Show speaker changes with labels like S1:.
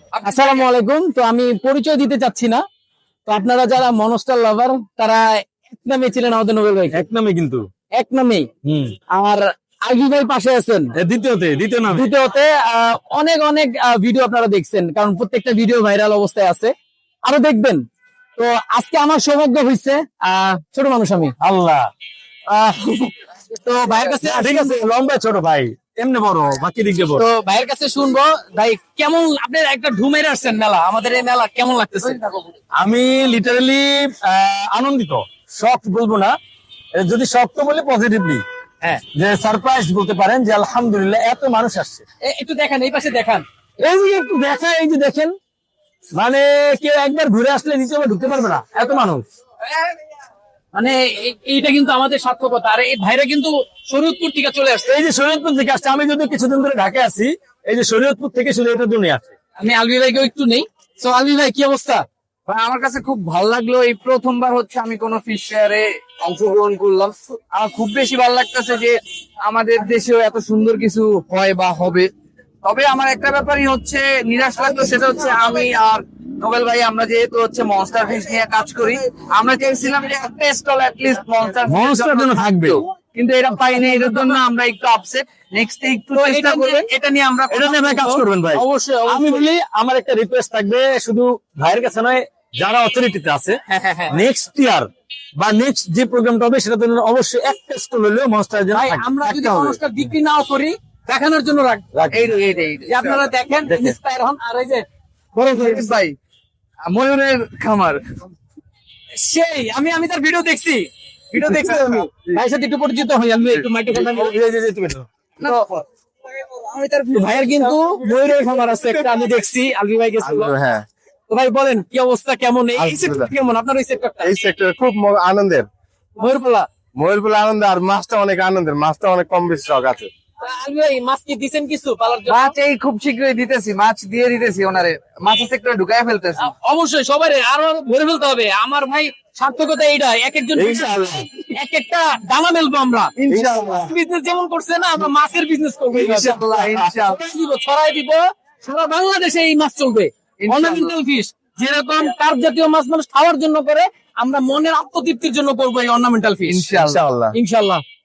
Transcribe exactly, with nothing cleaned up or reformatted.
S1: আসসালামু আলাইকুম। তো আমি পরিচয় দিতে চাচ্ছি না, তো আপনারা যারা মনস্টার লাভার তারা এক নামে ছিলেন আমাদের নোবেল ভাই,
S2: এক নামে কিন্তু
S1: এক নামেই।
S2: হুম
S1: আর আলভি ভাই পাশে আছেন
S2: এ দ্বিতীয়তে দ্বিতীয় নামে
S1: দ্বিতীয়তে। আহ, অনেক অনেক ভিডিও আপনারা দেখছেন, কারণ প্রত্যেকটা ভিডিও ভাইরাল অবস্থায় আছে, আরো দেখবেন। তো আজকে আমার সৌভাগ্য হয়েছে, আহ ছোট মানুষ আমি,
S2: আল্লাহ।
S1: আহ, তো ভাইয়ের কাছে
S2: ঠিক আছে, লম্বা ছোট ভাই এমনি বড়, বাকি দিক দিয়ে বড়।
S1: তো ভাইয়ের কাছে শুনবো ভাই কেমন আপনার একটা ঢুমের আসছেন মেলা, আমাদের এই মেলা কেমন লাগতেছে?
S2: আমি লিটারালি আনন্দিত, শখ বলবো না, এ যদি শখ তো বলি পজিটিভলি,
S1: হ্যাঁ,
S2: যে সারপ্রাইজ বলতে পারেন, যে আলহামদুলিল্লাহ এত মানুষ আসছে।
S1: এ- একটু দেখান, এই পাশে দেখান।
S2: এই যে একটু দেখা, এই যে দেখেন, মানে কেউ একবার ঘুরে আসলে নিচে আবার ঢুকতে পারবে না, এত মানুষ।
S1: মানে এ- এইটা কিন্তু আমাদের সার্থকতা। আর এই ভাইরা কিন্তু শরীয়তপুর থেকে চলে আসছে।
S2: এই যে শরীয়তপুর থেকে আসছে, আমি যদি কিছুদিন ধরে ঢাকায় আছি, এই যে শরীয়তপুর থেকে শুধু এটার জন্য আসছে।
S1: আমি আলভি ভাইকেও একটু নেই। তো আলভি ভাই কি অবস্থা?
S3: ভাই, আমার কাছে খুব ভালো লাগলো। এই প্রথমবার হচ্ছে আমি কোনো ফিশ ফেয়ারে অংশগ্রহণ করলাম। আমার খুব বেশি ভালো লাগতেছে যে আমাদের দেশেও এত সুন্দর কিছু হয় বা হবে। তবে আমার একটা ব্যাপারই হচ্ছে নিরাশ লাগলো, সেটা হচ্ছে আমি আর নোবেল ভাই আমরা যেহেতু হচ্ছে মনস্টার ফিশ নিয়ে কাজ করি, আমরা চেয়েছিলাম যে একটা স্টল অ্যাটলিস্ট মনস্টার
S2: মনস্টার জন্য থাকবে,
S3: কিন্তু এটা পাইনি। এটার জন্য আমরা একটু আপসেট। নেক্সট একটু
S1: তো
S3: চেষ্টা
S1: এটা
S3: করবেন,
S1: নিয়ে- এটা নিয়ে আমরা
S2: এটা নিয়ে ভাই কাজ করবেন ভাই।
S1: অবশ্যই
S2: আমি
S1: অবশ্যই।
S2: বলি, আমার একটা রিকোয়েস্ট থাকবে, শুধু ভাইয়ের কাছে নয়, যারা অথরিটিতে আছে,
S1: হ্যাঁ হ্যাঁ হ্যাঁ
S2: নেক্সট ইয়ার বা নেক্সট যে প্রোগ্রামটা হবে সেটা জন্য অবশ্যই একটা স্টল হলেও মনস্টার জন্য
S1: ভাই,
S2: থাকবে,
S1: আমরা যদি
S2: থাকতে হবে।
S1: অনুষ্ঠান বিক্রি নাও করি, দেখানোর জন্য রাখ
S2: রাখবে।
S3: এই এই এই
S1: যে আপনারা দেখেন,
S2: দেখেন।
S1: ইন্সপায়ার হন। আর এই যে
S3: ভাই, ময়ূরের খামার
S1: সেই আমি আমি তার ভিডিও দেখছি, ভিডিও দেখছি আমি ভাইয়ের সাথে একটু পরিচিত হই। আমি একটু মাইক্রোফোন
S2: এই যে- যে- তুমি নাও।
S1: আমি তার ভাইয়ের কিন্তু ময়ূরের খামার আছে একটা, আমি দেখছি আলভি ভাই গেছিল।
S4: হ্যাঁ,
S1: তো ভাই বলেন কি অবস্থা, কেমন এই
S4: আলহামদুলিল্লাহ।
S1: সেক্টর কেমন আপনার ওই সেক্টরটা?
S4: এই সেক্টর খুব ম- আনন্দের।
S1: ময়ূরপালা।
S4: ময়ূরগুলো আনন্দ, আর মাছটা অনেক আনন্দের, মাছটা অনেক কম বেশি শখ আছে।
S1: আলভি ভাই মাছ কি দিছেন কিছু পালার জন্য?
S3: মাছ এই খুব শীঘ্রই দিতেছি, মাছ দিয়ে দিতেছি ওনারে, মাছের সেক্টরে ঢুকাই ফেলতেছি।
S1: আ- অবশ্যই সবাই আরো আরো ভরে ফেলতে হবে। আমার ভাই সার্থকতা এইটা, এক একজন
S4: ইনশাআল্লাহ।
S1: এক একটা দানা মেলবো আমরা।
S4: ইনশাআল্লাহ।
S1: বিজনেস যেমন করছে না, আমরা মাছের বিজনেস করবো এইভাবে।
S3: ইনশাআল্লাহ, ইনশাআল্লাহ।
S1: ছড়াই দিব, ছড়াই দিব, সারা বাংলাদেশে এই মাছ চলবে।
S3: ইনশাআল্লাহ।
S1: অর্নামেন্টাল ফিশ যেরকম কার্প জাতীয় মাছ মানুষ খাওয়ার জন্য করে, আমরা মনের আত্মতৃপ্তির জন্য করবো এই অর্নামেন্টাল ফিশ।
S3: ইনশাআল্লাহ।
S4: ইনশাআল্লাহ।
S1: ইনশাল্লাহ।